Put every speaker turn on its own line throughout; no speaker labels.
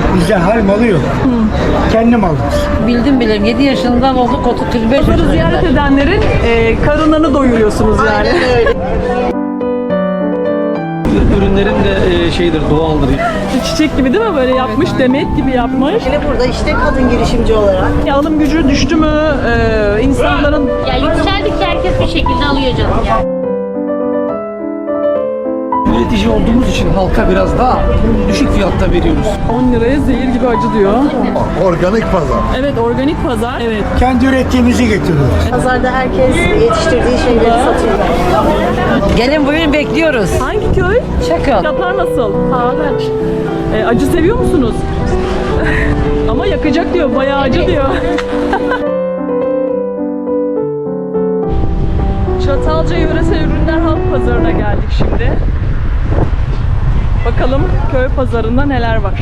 Bizde hal malı yok. Kendi malımız.
Bildim bildim. 7 yaşından olduk 35
Pazarı
yaşına.
ziyaret edenlerin karınlarını doyuruyorsunuz yani.
Ürünlerin de şeydir, doğaldır.
Çiçek gibi değil mi? Böyle yapmış, demet gibi yapmış.
Hele burada işte kadın girişimci olarak.
Alım gücü düştü mü? İnsanların
Ya yükseldikçe herkes bir şekilde alıyor canım yani.
Üretici olduğumuz için halka biraz daha düşük fiyatta veriyoruz.
10 liraya zehir gibi acı diyor.
Organik pazar.
Evet, organik pazar. Evet.
Kendi ürettiğimizi getiriyoruz.
Pazarda herkes yetiştirdiği şeyleri satıyor.
Gelin buyurun bekliyoruz.
Hangi köy?
Çakıl.
Fiyatlar nasıl? Pahalı. Acı seviyor musunuz? Ama yakacak diyor, bayağı acı diyor. Çatalca Yöresel Ürünler Halk Pazarı'na geldik şimdi. Bakalım köy pazarında neler var.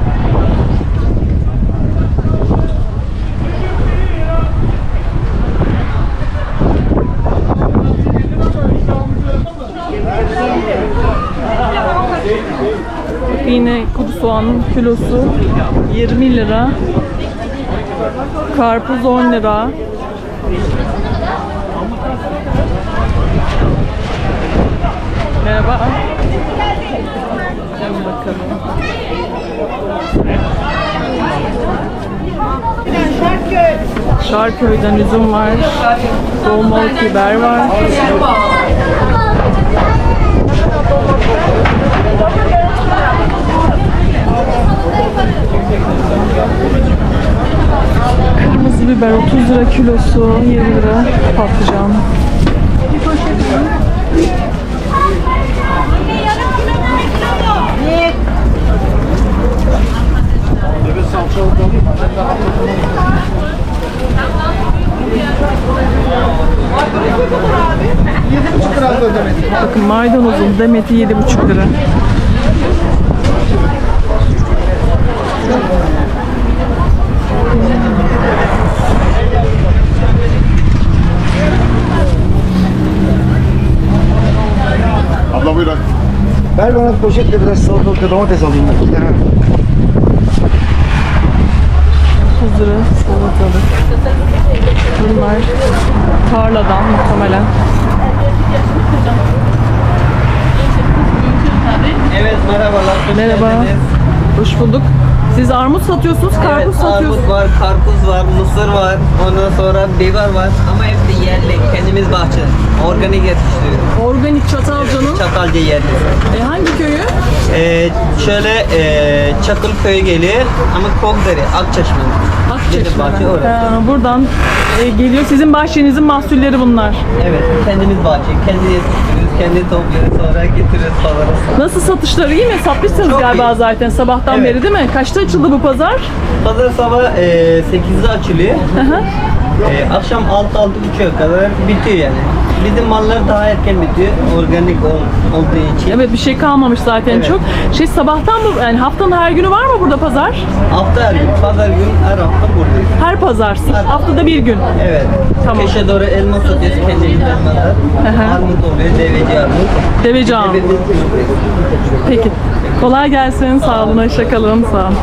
Yine kuru soğanın kilosu 20 lira. Karpuz 10 lira. Merhaba. Gel bakalım. Şarköy'den üzüm var. Dolmalık biber var. Kırmızı biber 30 lira kilosu, 20 lira patlıcan. Bakın maydanozun demeti 7,5 lira.
Abla buyurun.
Ver bana poşetle biraz salatalık domates alayım. 2 tane.
30 lira salatalık. Bunlar tarladan muhtemelen.
Evet, merhabalar.
Merhaba. Hoş bulduk. Siz armut satıyorsunuz, karpuz
Evet,
satıyorsunuz.
armut var, karpuz var, mısır var, ondan sonra biber var ama hepsi yerli, kendimiz bahçe, organik yetiştiriyoruz.
Organik Çatalca'nın.
Çatalca yerli.
Hangi köyü?
Şöyle Çakıl köyü geliyor ama Kokdere, Akçeşme. Bizim bahçe orası.
Buradan geliyor. Sizin bahçenizin mahsulleri bunlar.
Evet, kendimiz bahçe, kendi yetiştiriyoruz, kendi topluyoruz, sonra getiriyoruz pazara.
Nasıl satışları iyi mi? Satmışsınız
Çok
galiba
iyi.
zaten sabahtan
Evet.
beri değil mi? Kaçta açıldı bu pazar?
Pazar sabah 8'de açılıyor. Akşam 6-6.30'a kadar bitiyor yani. Bizim mallar daha erken bitiyor, organik olduğu için.
Evet, bir şey kalmamış zaten
Evet.
çok. Şey, sabahtan mı, yani haftanın her günü var mı burada pazar?
Hafta her gün, pazar gün her hafta buradayız.
Her pazar. Haftada bir gün.
Evet.
Tamam.
Keşe doğru elma satıyoruz kendimiz elmalar. Armut oluyor, deveci armut.
Deveci armut.
Deveci
Peki. Kolay gelsin. Sağ olun. Hoşça kalın. Sağ olun.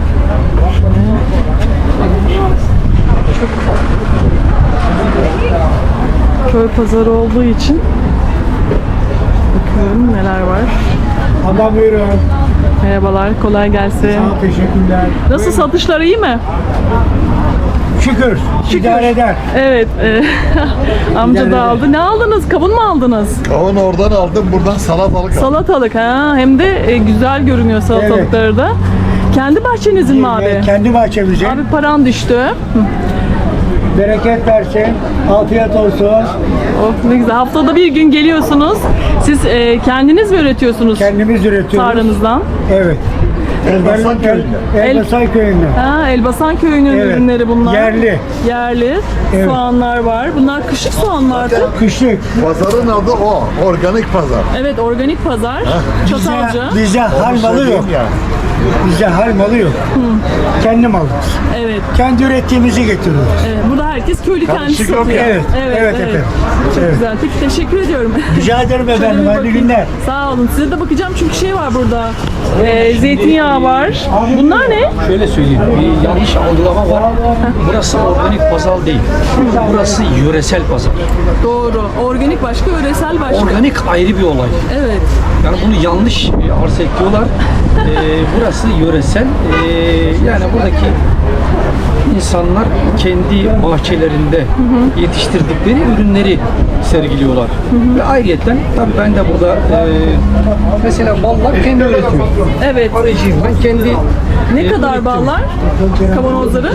Çok köy pazarı olduğu için bakıyorum neler var.
Abla buyurun.
Merhabalar. Kolay gelsin.
Sağ ol, teşekkürler.
Nasıl satışlar iyi mi?
Şükür. İdare eder.
Evet. Amca
İdare
da
eder.
aldı. Ne aldınız? Kavun mu aldınız?
Onu oradan aldım, buradan salatalık aldım.
Salatalık ha. Hem de güzel görünüyor salatalıkları da. Kendi bahçenizin mi abi?
Kendi bahçemizin.
Abi paran düştü.
Bereket versin. Afiyet olsun.
Oh ne güzel. Haftada bir gün geliyorsunuz. Siz kendiniz mi üretiyorsunuz
Kendimiz üretiyoruz.
tarlanızdan?
Evet.
Elbasan köyünde.
Elbasan köyünden.
Ha, Elbasan köyünün
Evet.
ürünleri bunlar.
Yerli.
Yerli.
Evet.
Soğanlar var. Bunlar kışlık soğanlardı.
Kışlık.
Pazarın adı o, organik pazar.
Evet, organik pazar. Çatalca.
Bizde hal malı yok.
Söyleyeyim ya.
Bizde hal malı yok. Kendi malımız.
Evet.
Kendi ürettiğimizi getiriyoruz.
Evet. Burada herkes köylü kendisi
Karışık yok
satıyor.
ya.
Evet, evet efendim.
Çok
Evet.
güzel. Peki teşekkür ediyorum.
Rica ederim
Şöyle
efendim.
bir
Hayırlı
bakayım.
günler.
Sağ olun. Size de bakacağım çünkü şey var burada. Zeytinyağı var. Bunlar ne?
Şöyle söyleyeyim, bir yanlış algılama var. Burası organik pazar değil. Burası yöresel pazar.
Doğru. Organik başka, yöresel başka.
Organik ayrı bir olay.
Evet.
Yani bunu yanlış arz ediyorlar. Burası yöresel. Yani buradaki insanlar kendi bahçelerinde yetiştirdikleri ürünleri sergiliyorlar. Ve ayrıyeten tabii ben de burada mesela ballar kendi üretiyorum.
Evet.
Arıcıyım ben kendi.
Ne kadar ballar? Kavanozları?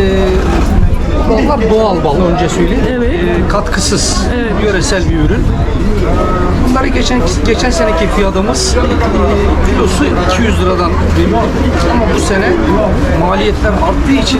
Ballar doğal bal önce söyleyeyim.
Evet.
Katkısız,
Evet.
yöresel bir ürün. Bunları geçen seneki fiyatımız kilosu 200 liradan veriyorduk. Ama bu sene maliyetler arttığı için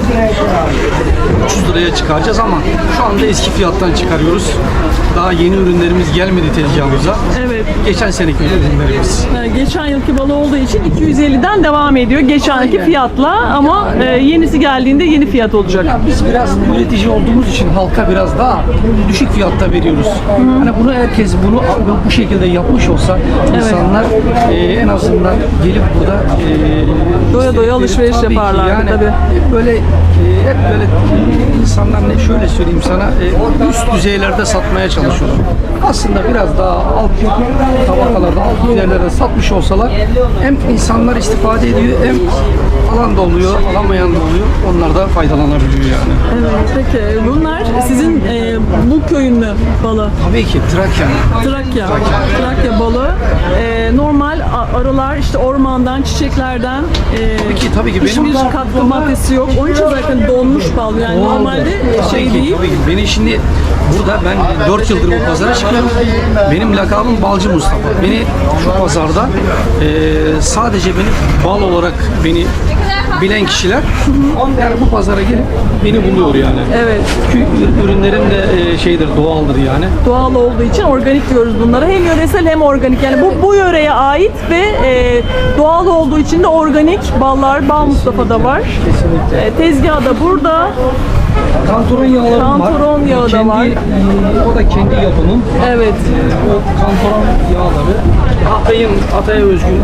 300 liraya çıkaracağız ama şu anda eski fiyattan çıkarıyoruz. Daha yeni ürünlerimiz gelmedi tezgahımıza.
Evet.
Geçen seneki ürünlerimiz.
Geçen yılki balı olduğu için 250'den devam ediyor. Geçenki fiyatla ama yenisi geldiğinde yeni fiyat olacak.
Biz biraz üretici olduğumuz için halka biraz daha düşük fiyatta veriyoruz. Hani bunu herkes bu şekilde yapmış olsa insanlar en azından gelip burada
Doya doya alışveriş
tabii ki
yaparlardı
yani
tabii.
Hep böyle insanlar şöyle söyleyeyim sana üst düzeylerde satmaya çalışıyorlar. Aslında biraz daha alt tabakalarda, alt düzeylerde satmış olsalar hem insanlar istifade ediyor hem alan da oluyor, alamayan da oluyor. Onlar da faydalanabiliyor yani.
Evet, peki bunlar sizin bu köyün mü balı?
Tabii ki Trakya.
Trakya balı. Normal arılar işte ormandan, çiçeklerden
Tabii ki benim
hiçbir katkı maddesi yok. Onun için zaten donmuş bal. Yani normalde şey değil.
Tabii ki. Beni şimdi burada ben 4 yıldır bu pazara çıkıyorum. Benim lakabım Balcı Mustafa. Beni şu pazarda sadece beni bal olarak beni bilen kişiler yani bu pazara gelip beni buluyor yani.
Evet.
Çünkü ürünlerim de şeydir, doğaldır yani.
Doğal olduğu için organik diyoruz bunlara. Hem yöresel hem organik. Yani bu yöreye ait ve doğal olduğu için de organik ballar. Bal Mustafa'da var.
Kesinlikle.
Tezgahı da burada.
Kantaron yağlarım var.
Kantaron yağı da var.
O da kendi yapımım.
Evet.
O kantaron yağları Hatay'a özgün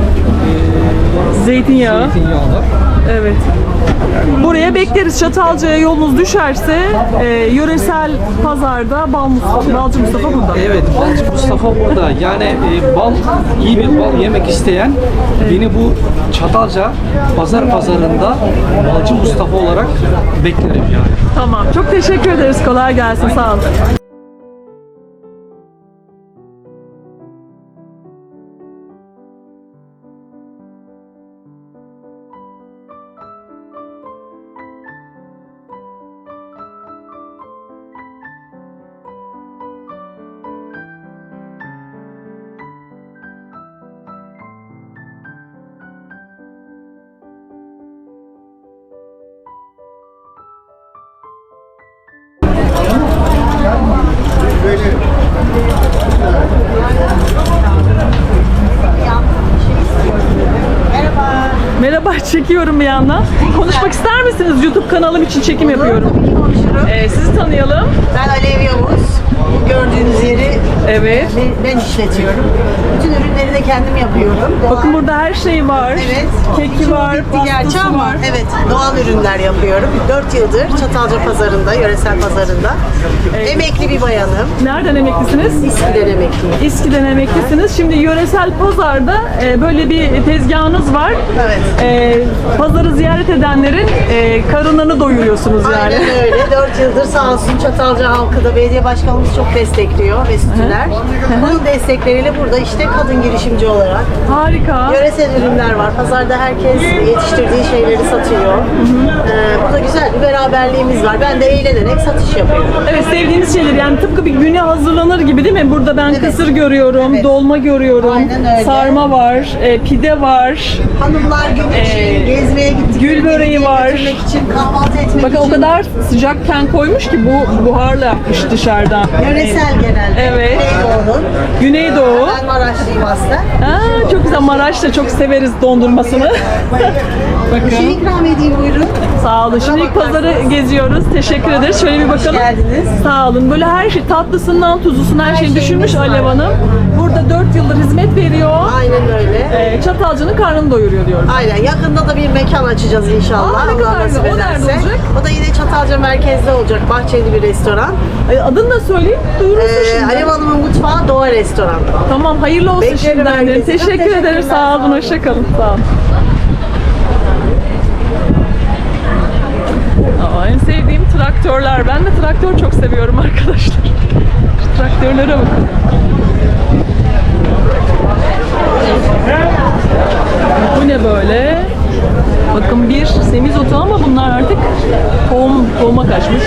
Zeytinyağı.
zeytinyağlar.
Evet. Buraya bekleriz. Çatalca'ya yolunuz düşerse yöresel pazarda Balcı Mustafa burada.
Evet, Balcı Mustafa burada. Yani iyi bir bal yemek isteyen beni bu Çatalca pazarında Balcı Mustafa olarak beklerim yani.
Tamam. Çok teşekkür ederiz. Kolay gelsin. Sağ olun. Merhaba, çekiyorum bir yandan. Konuşmak ister misiniz? YouTube kanalım için çekim yapıyorum.
Tabii ki konuşurum.
Sizi tanıyalım.
Ben Alev Yavuz. Bu gördüğünüz yeri
Evet.
ben işletiyorum. Bütün ürünleri de kendim yapıyorum.
Bakın burada her şey var.
Evet.
Keki var,
Bitti gerçi
pastası
ama
var.
evet, doğal ürünler yapıyorum. 4 yıldır Çatalca pazarında, yöresel pazarında. Emekli bir bayanım.
Nereden emeklisiniz?
İSKİ'den emekliyim.
İSKİ'den emeklisiniz. Şimdi yöresel pazarda böyle bir tezgahınız var.
Evet.
Pazarı ziyaret edenlerin karınlarını doyuruyorsunuz yani.
Aynen öyle. 4 yıldır sağ olsun Çatalca halkı da belediye başkanımız çok destekliyor ve sütüler. Bunun destekleriyle burada işte kadın girişimci olarak
Harika.
yöresel ürünler var. Pazarda herkes yetiştirdiği şeyleri satıyor. Burada güzel bir beraberliğimiz var. Ben de eğlenerek satış yapıyorum.
Evet, sevdiğiniz şeyler yani tıpkı bir güne hazırlanır gibi değil mi? Burada ben
Evet.
kısır görüyorum,
Evet.
dolma görüyorum,
Aynen öyle.
sarma var, pide var.
Hanımlar gün için gezmeye gittik.
gül böreği var.
Götürmek için, kahvaltı etmek
Bakın
için.
o kadar sıcakken koymuş ki bu buharla yapmış dışarıdan.
Yöresel genelde.
Evet.
Güneydoğu'nun.
Güneydoğu.
Ben Maraşlıyım aslında.
Aa, çok güzel. Maraş'ta çok severiz dondurmasını.
Bir şey ikram edeyim buyurun.
Sağ olun. Şimdi ilk pazarı geziyoruz. Teşekkür ederiz. Şöyle bir bakalım.
geldiniz.
Sağ olun. Böyle her şey tatlısından tuzlusuna her şeyi
şeyimiz
düşünmüş
var.
Alev Hanım. Burada burada 4 yıldır hizmet veriyor.
Aynen öyle.
Çatalca'nın karnını doyuruyor diyoruz.
Aynen. Yakında da bir mekan açacağız inşallah.
Aa, ne kadar
Allah nasip
güzel. O nerede
ederse.
olacak?
O da yine Çatalca merkezde olacak. Bahçeli bir restoran.
Adını da söyleyeyim. Duyurulsun şimdi.
Alev Hanım'ın mutfağı Doğa Restoran.
Tamam, hayırlı olsun
Beklerim
şimdiden.
herkesi.
Teşekkür ederim.
Teşekkürler.
Sağ olun. Hoşçakalın. Sağ olun. En sevdiğim traktörler. Ben de traktör çok seviyorum arkadaşlar. Şu traktörlere bakın. Bu ne böyle? Bakın bir semizotu ama bunlar artık tohuma kaçmış.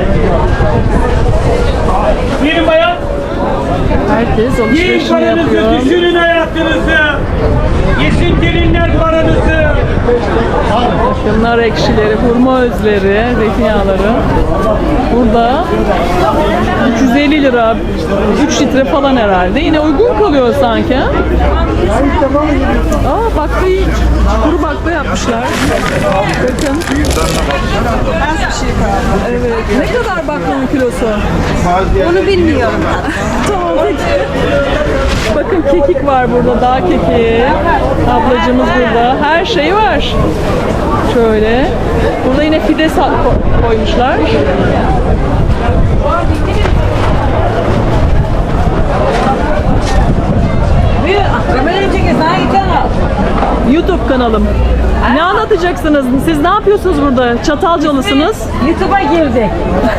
Girin bayan.
Herkes
Yiyin
alışverişini
paranızı,
yapıyor.
düşünün hayatınızı. Yesin gelinler paranızı.
Nar ekşileri, hurma özleri, zeytinyağları. Burada 350 lira, 3 litre falan herhalde. Yine uygun kalıyor sanki. Aa, baklayı, kuru bakla yapmışlar. Bakın. Evet. Ne kadar baklanın kilosu? Onu bilmiyorum. Tamam peki. Bakın kekik var burada, dağ kekiği. Ablacımız burada. Her şey var. Şöyle. Burada yine fide koymuşlar. YouTube kanalım. Ne anlatacaksınız? Siz ne yapıyorsunuz burada? Çatalcalısınız.
YouTube'a girdik.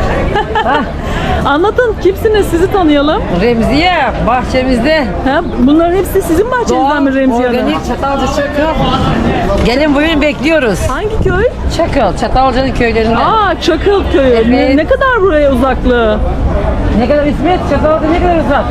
Anlatın, kimsiniz? Sizi tanıyalım.
Remziye bahçemizde.
Ha, bunların hepsi sizin bahçenizden mi Remziye Hanım?
organik Çatalca Çakıl. Gelin buyurun bekliyoruz.
Hangi köy?
Çakıl, Çatalca'nın köylerinde.
Aa, Çakıl köyü.
Evet.
Ne kadar buraya uzaklığı?
Ne kadar İsmet? Çatalca ne kadar uzak?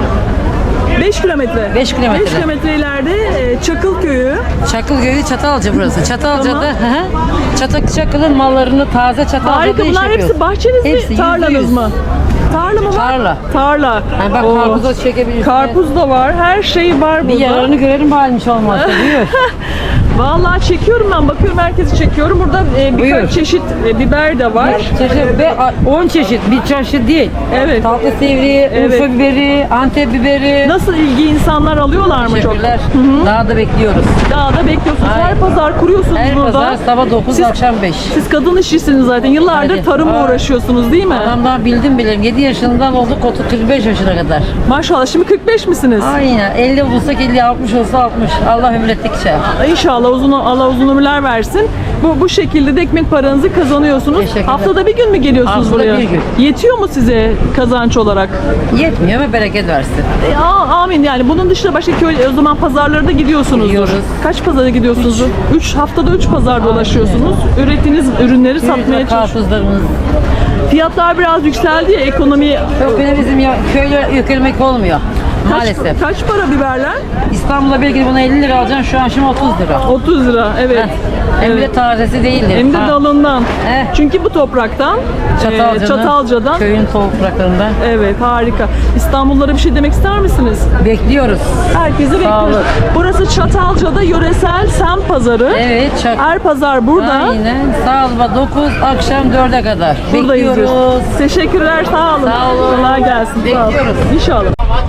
5 kilometre.
5 kilometre.
5 kilometre ileride Çakıl köyü.
Çakıl köyü Çatalca burası. Çatalca'da
Tamam.
Çakıl'ın mallarını taze Çatalca'da
Harika.
iş
Bunlar
yapıyoruz.
hepsi bahçeniz mi?
Hepsi
Tarlanız
%100.
mı? Tarla mı var?
Tarla.
Tarla.
Yani bak
Oo.
karpuz da çekebilirsin.
Karpuz da var. Her şey var
Bir
burada.
yararını görelim halmiş olmazsa. Buyur.
Vallahi çekiyorum ben. Bakıyorum herkesi çekiyorum. Burada
Buyur.
birkaç çeşit biber de var.
Çeşit ve 10 çeşit bir çeşit değil.
Evet.
Tatlı sivri,
Evet.
Urfa biberi, Antep biberi.
Nasıl ilgi insanlar alıyorlar mı çok?
Teşekkürler. Daha da bekliyoruz.
Dağda bekliyorsunuz. Her
Aynen.
pazar kuruyorsunuz
Her
burada.
pazar sabah 9
Siz-
akşam 5.
Siz kadın işçisiniz zaten. Yıllardır
Hadi.
tarımla
Aa.
uğraşıyorsunuz değil mi?
Adamdan bildim bilim. 7 yaşından olduk 35 yaşına kadar.
Maşallah. Şimdi 45 misiniz?
Aynen. 50 olsak 50, 60 olsa 60. Allah ömrettikçe.
İnşallah Allah uzun ömürler versin. Bu şekilde de ekmek paranızı kazanıyorsunuz.
Teşekkürler.
Haftada bir gün mü geliyorsunuz
Haftada
buraya?
bir gün.
Yetiyor mu size kazanç olarak?
Yetmiyor ama bereket versin.
Amin yani. Bunun dışında başka köy, o zaman pazarlara da gidiyorsunuzdur.
Gidiyoruz.
Kaç pazara gidiyorsunuz? 3 haftada 3 pazar dolaşıyorsunuz. Ürettiğiniz ürünleri satmaya çalışıyorsunuz.
Karpuzlarımız.
Fiyatlar biraz yükseldi ya, ekonomi.
Yok yine bizim köyle yüklemek olmuyor. Maalesef.
Kaç para biberler?
İstanbul'da belki buna 50 lira alacaksın şu an şimdi 30 lira.
30 lira, evet.
Heh. Hem de
Evet.
tazesi değildir.
Hem de
Ha.
dalından.
Heh.
Çünkü bu topraktan, Çatalca'dan.
Köyün topraklarından.
Evet, harika. İstanbullulara bir şey demek ister misiniz?
Bekliyoruz.
Herkesi bekliyoruz.
olun.
Burası Çatalca'da yöresel semt pazarı.
Evet.
Her pazar burada.
Aynen. Sabah 9 akşam 4'e kadar.
Buradayız.
Bekliyoruz.
Teşekkürler, sağ olun.
Sağ olun.
Kolay gelsin. Sağ olun.
Bekliyoruz.
İnşallah.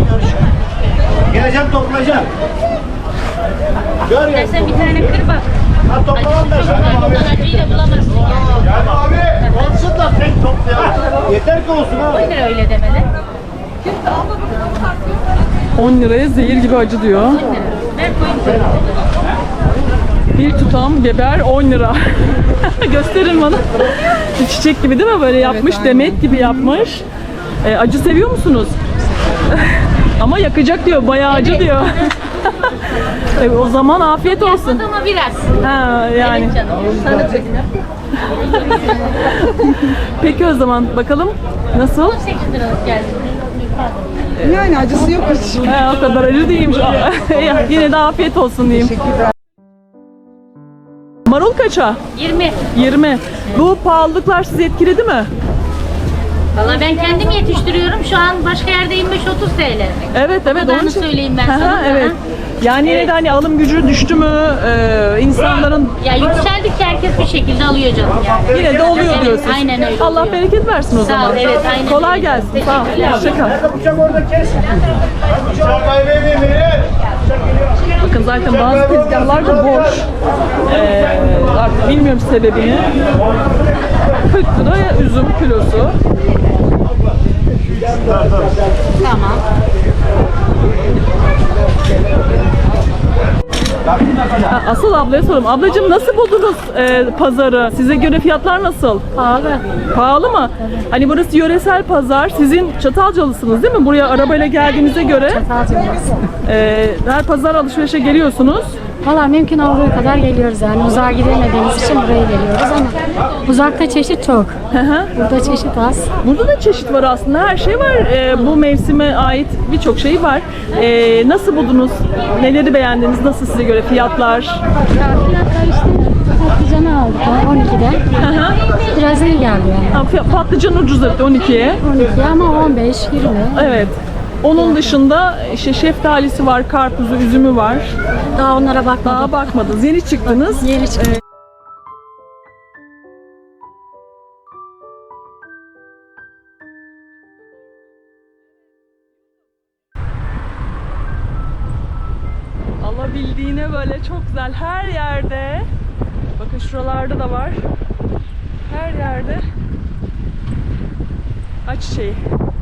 Geleceğim toplayacağım.
İstersen bir tane kır bak.
Toplamam da
Bundan acıyı da bulamazsın yani.
Yani abi olsun da tek toplayalım. Yeter ki olsun abi.
10 lira öyle demeli.
10 liraya zehir gibi acı diyor.
Ver koyun.
Bir tutam biber 10 lira. Gösterin bana. Bir çiçek gibi değil mi? Böyle yapmış, demet gibi yapmış. Acı seviyor musunuz? Ama yakacak diyor, bayağı acı diyor. O zaman afiyet olsun.
Ama biraz.
Ha yani.
Evet canım. Sana çekin.
Peki o zaman bakalım nasıl?
18 liralık geldi.
Yani acısı yok hiç. O kadar acı değilmiş. Yine de afiyet olsun diyeyim. Marul kaça?
20.
20. Bu pahalılıklar sizi etkiledi mi?
Valla ben kendim yetiştiriyorum. Şu an başka yerde 25-30 TL.
Evet evet.
Kadarını
onun için-
söyleyeyim ben
Aha,
sana.
evet. Yani yine de hani alım gücü düştü mü? İnsanların
Ya yükseldikçe herkes bir şekilde alıyor canım yani.
yine de oluyor
Evet,
diyorsun.
aynen öyle
Allah
oluyor.
bereket versin o
Sağ ol,
zaman.
evet, aynen
Kolay
öyle.
gelsin. Sağ ol.
Teşekkürler.
Hoşçakal.
Bıçak orada kes.
Bakın zaten bazı tezgahlar da boş. Artık bilmiyorum sebebini. 40 lira üzüm kilosu.
Tamam.
Ha, asıl ablaya sorayım. Ablacığım nasıl buldunuz pazarı? Size göre fiyatlar nasıl?
Pahalı.
Pahalı mı? Hani burası yöresel pazar. Sizin Çatalcalısınız değil mi? Buraya arabayla geldiğinize göre her pazar alışverişe geliyorsunuz.
Valla mümkün olduğu kadar geliyoruz yani. Uzağa gidemediğimiz için buraya geliyoruz ama uzakta çeşit çok. Burada çeşit az.
Burada da çeşit var aslında. Her şey var. Bu mevsime ait birçok şey var. Nasıl buldunuz? Neleri beğendiniz? Nasıl size göre fiyatlar?
Ya fiyatlar işte patlıcanı aldık ya 12'de. Biraz iyi geldi yani.
Ha, patlıcan ucuz etti 12'ye.
12 ama 15, 20.
Evet. Onun dışında işte şeftalisi var, karpuzu, üzümü var.
Daha onlara bakmadım.
Daha bakmadınız. Yeni çıktınız.
Yeni çıktı.
Alabildiğine böyle çok güzel her yerde. Bakın şuralarda da var. Her yerde ayçiçeği.